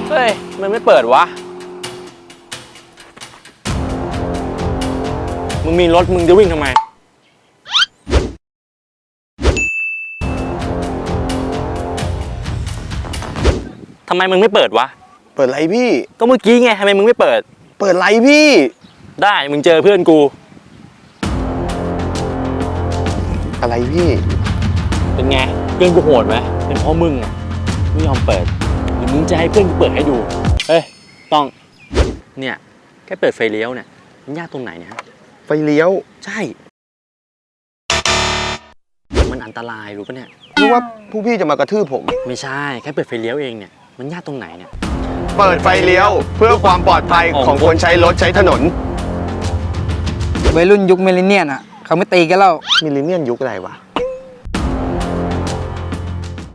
เฮ้ยมันไม่เปิดวะมึงมีรถมึงจะวิ่งทำไมทำไมมึงไม่เปิดวะเปิดไรพี่ก็เมื่อกี้ไงทำไมมึงไม่เปิดเปิดไรพี่ได้มึงเจอเพื่อนกูอะไรพี่เป็นไงเพื่อนกูโหดไหมเป็นเพราะมึงอ่ะไม่ยอมเปิดหรือมึงจะให้เพื่อนกูเปิดให้ดูเฮ้ยต้องเนี่ยแค่เปิดไฟเลี้ยวเนี่ยมันยากตรงไหนเนี่ยไฟเลี้ยวใช่มันอันตรายรู้ปะเนี่ยรู้ว่าผู้พี่จะมากระทืบผมไม่ใช่แค่เปิดไฟเลี้ยวเองเนี่ยมันยากตรงไหนเนี่ยเปิดไฟเลี้ยวเพื่อความปลอดภัยของคนใช้รถใช้ถนนวัยรุ่นยุคมิลเลนเนียลอ่ะเขาไม่ตีกันแล้วมิลเลนเนียลยุคอะไรวะ